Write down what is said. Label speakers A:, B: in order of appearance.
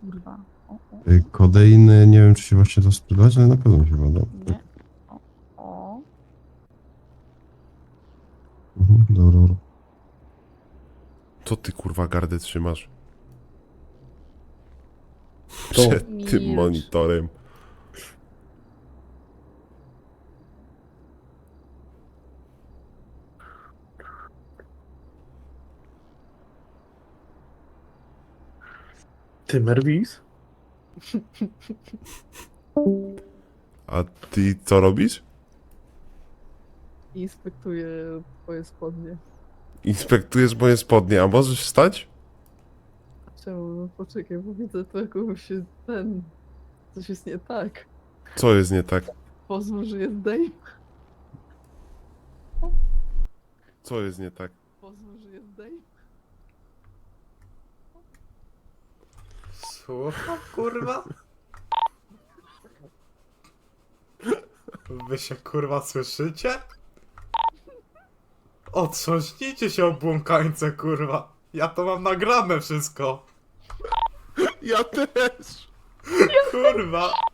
A: kurwa. O.
B: Kodeiny, nie wiem czy się właśnie to sprzedać, ale na pewno się bada.
A: Nie. O.
B: Dobra, dobra.
C: Co ty kurwa gardę trzymasz?
B: To.
C: Przed tym
A: Milcz.
C: monitorem.
D: Ty, Merwis?
C: A ty co robisz?
A: Inspektuję twoje spodnie.
C: Inspektujesz moje spodnie, a możesz wstać?
A: Czemu? No poczekaj, bo widzę tu jakąś ten... Coś jest nie tak.
C: Co jest nie tak?
A: Pozwól, że jest dej.
C: Co jest nie tak?
A: Pozwól, że jest dej.
E: Słucham, kurwa? Wy się kurwa słyszycie? Otrząśnijcie się obłąkańce, kurwa. Ja to mam nagrane wszystko.
C: Ja też!
E: Kurwa.